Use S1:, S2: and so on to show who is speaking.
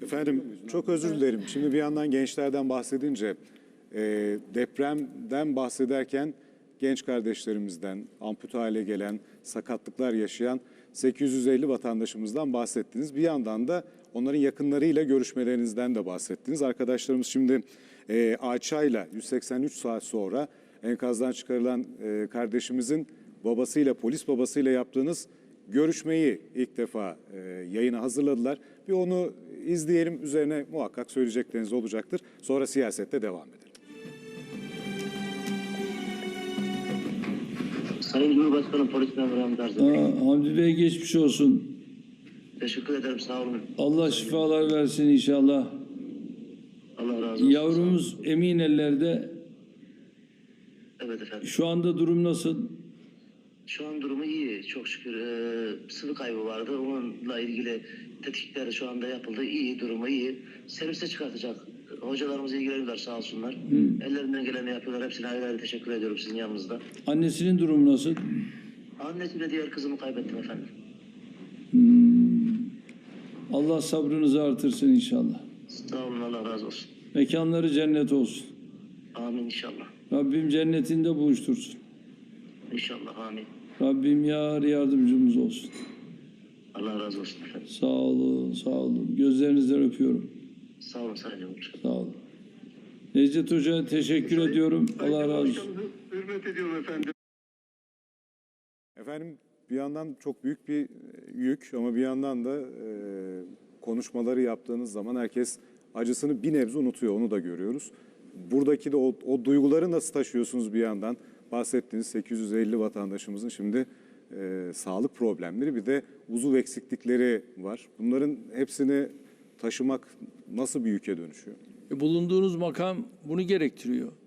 S1: Efendim çok özür dilerim. Şimdi bir yandan gençlerden bahsedince depremden bahsederken genç kardeşlerimizden, ampute hale gelen, sakatlıklar yaşayan 850 vatandaşımızdan bahsettiniz. Bir yandan da onların yakınlarıyla görüşmelerinizden de bahsettiniz. Arkadaşlarımız şimdi Ayça'yla 183 saat sonra enkazdan çıkarılan kardeşimizin babasıyla, polis babasıyla yaptığınız görüşmeyi ilk defa yayına hazırladılar. Bir onu izleyelim, üzerine muhakkak söyleyecekleriniz olacaktır. Sonra siyasette devam edelim.
S2: Sayın Cumhurbaşkanım, polis memuru Hamdi Arzum.
S3: Hamdi Bey geçmiş olsun.
S2: Teşekkür ederim, sağ olun.
S3: Allah şifalar versin inşallah.
S2: Allah razı olsun.
S3: Yavrumuz emin ellerde.
S2: Evet efendim.
S3: Şu anda durum nasıl?
S2: Şu an durumu iyi, çok şükür. Sıvı kaybı vardı, onunla ilgili tetkikler şu anda yapıldı. İyi, durumu iyi. Servise çıkartacak. Hocalarımız ilgileniyorlar sağ olsunlar. Ellerinden geleni yapıyorlar. Hepsine ayrı ayrı teşekkür ediyorum sizin yanınızda.
S3: Annesinin durumu nasıl?
S2: Annesiyle diğer kızımı kaybettim efendim.
S3: Allah sabrınızı artırsın inşallah.
S2: Sağ olun, Allah razı olsun.
S3: Mekanları cennet olsun.
S2: Amin inşallah.
S3: Rabbim cennetinde buluştursun.
S2: İnşallah, amin.
S3: Rabbim yar yardımcımız olsun.
S2: Allah razı olsun efendim.
S3: Sağ olun, sağ olun. Gözlerinizden öpüyorum.
S2: Sağ olun Sayın Hocam.
S3: Sağ olun. Necdet Hoca teşekkür ediyorum. Allah razı olsun.
S4: Hürmet ediyorum efendim.
S1: Efendim bir yandan çok büyük bir yük ama bir yandan da konuşmaları yaptığınız zaman herkes acısını bir nebze unutuyor, onu da görüyoruz. Buradaki de o duyguları nasıl taşıyorsunuz bir yandan? Bahsettiğiniz 850 vatandaşımızın şimdi sağlık problemleri, bir de uzuv eksiklikleri var. Bunların hepsini taşımak nasıl bir yüke dönüşüyor?
S3: Bulunduğunuz makam bunu gerektiriyor.